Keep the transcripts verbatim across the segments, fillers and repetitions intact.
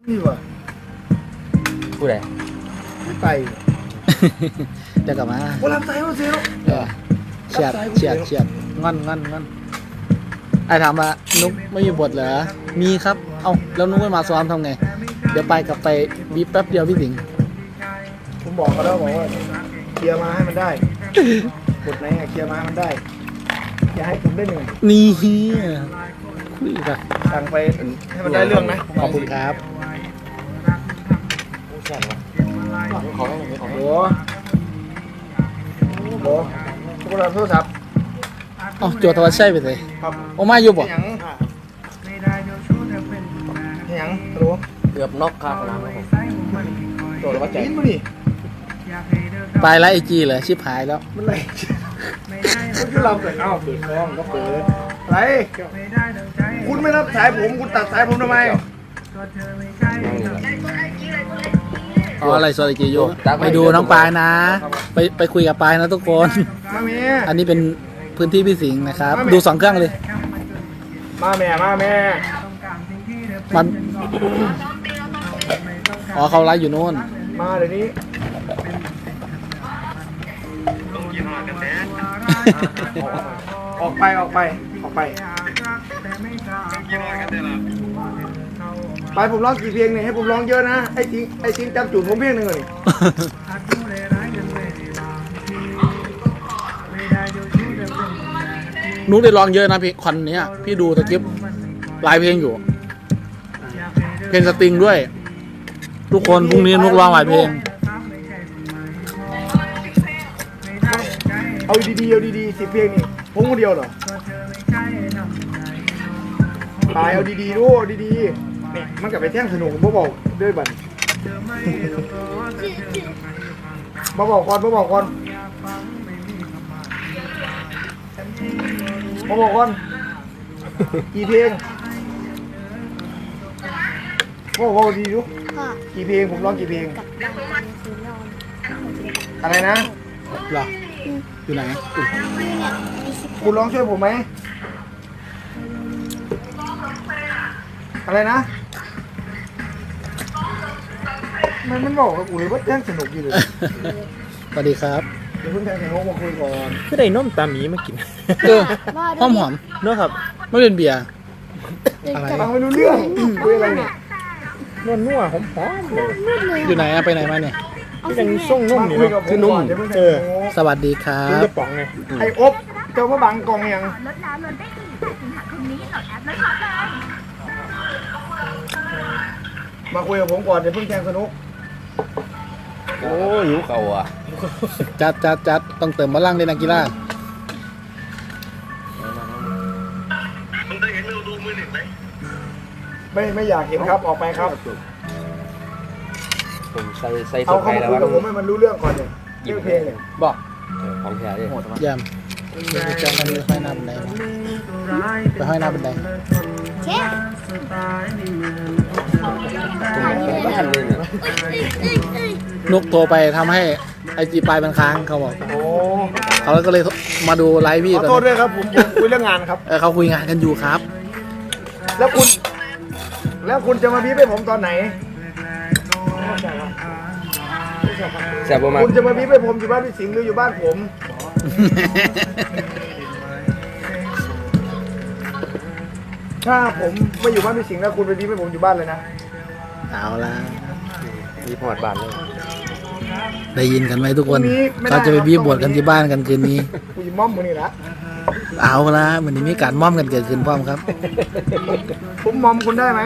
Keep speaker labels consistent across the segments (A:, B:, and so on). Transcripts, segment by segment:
A: นี่วะ
B: ผู้ใด
A: ไม่ไป
C: เดี๋ยวกลับมา
A: โอ้รับสายมาเซล
C: เออเฉียดเฉียดเฉียดงอนงอนงอนไอ้ถามว่านุ๊กไม่มีบทเหรอมีครับเอ้าแล้วนุ๊กไม่มาซ้อมทำไงเดี๋ยวไปกลับไปบีบแป๊บเดียวพี่สิงห์
A: ผมบอกเขาแล้วบอกว่าเคลียร์มาให้มันได้บทไหนเคลียร์มาให้มันได้อย่าให้ผมได้เหนื่อย
C: นี่คุยกัน
A: สั่งไปให้มันได้เรื่องนะ
C: ขอบคุณครับ
A: ขอให้ผมขอโอ้โหโทรศัพท์โทรศัพท์
C: อ๋อโจทวัชชัยไปเลย
A: ครับ
C: โอ้มาอยู่บ่
A: ยังยังรู้
B: เกือบนกครับน้ำครับ
A: โจทย์ว่าใจมาดิ
C: ไปแล้วไอจีเลยชิบหายแล้ว
A: มันไรมันคือเราเกิดเอ้าเปิดกล้องก็เปิดไรคุณไม่รับสายผมคุณตัดสายผมทำไม
C: อ๋ออะไรสวัสดีโยไปดูน้องปายนะไปไปคุยกับปายนะทุกคน
A: มาแม่
C: อันนี้เป็นพื้นที่พี่สิงห์นะครับดูสองเครื่องเลย
A: มาแม่มาแม่
C: มันอ๋อเขาไลฟ์อยู่โน่น
A: มาเดี๋ยวนี้ออกไปออกไปออกไปไปผมร้องกี่เพลงเนี่ยให้ผมร้องเยอะนะไอ้จริงไอ้จริงจำจุดผมเพลงหนึ่งเลย
C: นุ๊กได้ร้องเยอะนะพี่คอนนี้พี่ดูตะกิ๊บหลายเพลงอยู่เพลงสตริงด้วยทุกคนพรุ่งนี้นุ๊กร้องหลายเพลง
A: เอาดีๆเอาดีๆสิเพลงนี่ผมคนเดียวเหรอตายเอาดีๆดูดีๆเนี่ยมันกลับไปแท่งสนุกผมบอกด้วยบันมาบอกก่อนมาบอกก่อนมาบอกก่อนกี่เพลงบอกว่าดีดูกี่เพลงผมร้องกี่เพลงอะไรนะ
C: หรออยู่ไหน
A: คุณร้องช่วยผมไหมอะไรนะมันมันบอกกับกูเลยว่าแจ้งสนุกดีเลย
C: สวัสดีครับ
A: เดี๋ยวเพิ่งแจ้งสนุกมาคุยก่อน
B: คือได้นมตาหมีมากิน
C: เออหอมหอม
B: เนอะครับ
C: ไม่เป็นเบียร์
A: อะไรฟังไม่รู้เรื่องคุยอะไรเนี่ย
B: นวลนัวหอมหอม
C: อยู่ไหนอะไปไหนมาเนี่ย
B: ยังส่งนุ่มนี่นะคือนุ่มเออ
C: สวัสดีครับ
B: เป็นกระป๋องไง
A: ไอ้อบเจ้ามาบังกองยัง
D: ลดแล้วลดได้ถึงแปดสิงหาคมนี้โหลดแอปแล้วช็อปเลย
A: มาคุยกับผมก่อนเดี๋ยวเพิ่งแจ้งสนุก
B: โอ้หิวเข่าอ่ะ
C: จัดจัดจัดต้องเติมพลังเลยนักกีฬา
A: ไม่ไม่อยากเห็นครับออกไปครับ
B: ผมใส่ใส่
A: เอาเข้ามาคุยกับผมให้มันรู้เรื่องก่อนเนี่ยเรื่องเพลงเนี่ย
B: บอกของแท้ดิ
C: ยามจะมันไปห้อยหน้าบันไดไปห้อยหน้าบันได
D: เช็ค
C: นุกโทรไปทำให้ไอจีปลายมันค้างเขาบอก
A: โอ้
C: เขาก็เลยมาดูไลฟ์พี่
A: ขอโทษด้วยครับผมคุยเรื่องงานครับ
C: เออเขาคุยงานกันอยู่ครับ
A: แล้วคุณแล้วคุณจะมาบีบให้ผมตอนไหน
B: แซ่บมาก
A: คุณจะมาบีบให้ผมอยู่บ้านพี่สิงห์หรืออยู่บ้านผมถ้าผมไม่อยู่บ้านพี่สิงห์แล้วคุณไปบีบให้ผมอยู่บ้านเลยนะ
C: เอาละ
B: มีพอดบ้านเลย
C: ได้ยินกันไหมทุกคนเขาจะไปบีบบวชกันที่บ้านกันคืนนี้
A: กูยิมม่อมมือนี่ละ
C: เอาละเหมือนมีการม่อมกันเกิดขึ้นพร้อมครับ
A: ผมมอมคุณได้ไหม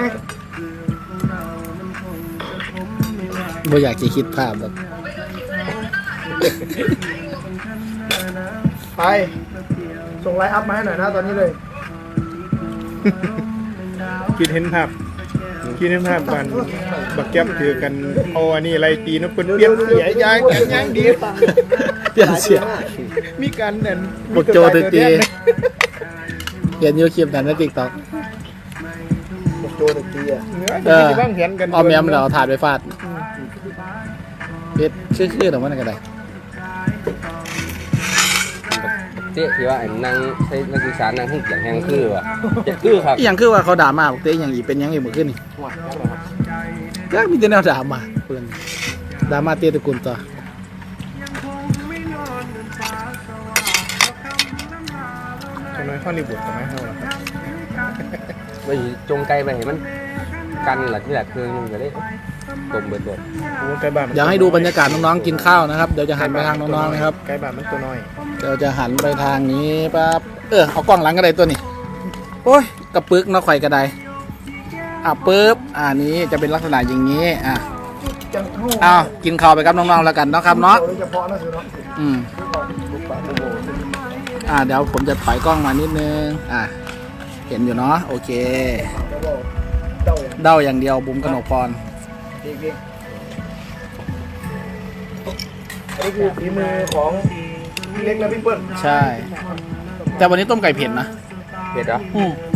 C: บ่อยากจะคิดภาพแบบ
A: ไปส่งไลน์อัพมาให้หน่อยนะตอนนี้เลย
B: คิดเห็นภาพคิดเห็นภาพกันบักแก๊บถือกันเอาอันนี้อะไรตีนะเป็นเปลี่ยนเสียยางแข็งยางดี
C: เปลี่ยนเสีย
B: มีการเด่น
C: บทโจตีตีเห็นยูคลิปนั้นในติ๊กต็อก
A: บทโจตีอ่ะ
C: เออเอาแมมเราถ่ายไปฟาดเพชรชื่อๆหรือว่าอะไร
B: เจ๊ที่ว่าไอ้นางใช้นักศึกษานางหุ่นอย่างแห้งคือว่ะจะคือครับ
C: อย่างคือว่าเขาด่ามาบอกเต้อย่างอีเป็นยังอีกเมื่อคืนนี่ก็มีแต่แนวดราม่าเพื่อนดราม่าเตี้ยตระกูลต่อ
B: ทำไมฮอลลีวูดทำไมเท่าล่ะครับ
E: ไปจงไกลไปเห็นมันกันหลักที่แหละคือนึงก็ได้ตบเบิดเบิด
B: โอ้ไก่บ้านมัน
C: อยากให้ดูบรรยากาศน้องๆกินข้าวนะครับเดี๋ยวจะหันไปทางน้องๆนะครับ
B: ไก่บ้านมันตัวน้อย
C: เดี๋ยวจะหันไปทางนี้ปั๊บเออเอากล้องหลังก็ได้ตัวนี้โอ้ยกระปึกเนาะข่อยกระไดอ่ะปึ๊บอ่านี้จะเป็นลักษณะอย่างนี้อ่ะ
A: จังเท่า
C: อ้าวกินข้าวไปกับน้องๆแล้วกันเนาะครับเนาะ
A: โดยเฉพาะนะคือเนาะ
C: อืม
A: ลูกปลาโบโบ
C: อ่าเดี๋ยวผมจะถอยกล้องมานิดนึงอ่ะเห็นอยู่เนาะโอเค
A: โบโบเจ้าอย่าง
C: เด้าอย่างเดียวบุ๋มกนกพร
A: จริงๆอันนี้คือฝีมือของพี่เล็กและพี่เปิ้ล
C: ใช่ แต่วันนี้ต้มไก่เผ็ดนะ
E: เผ็ดเหรอ
C: อืม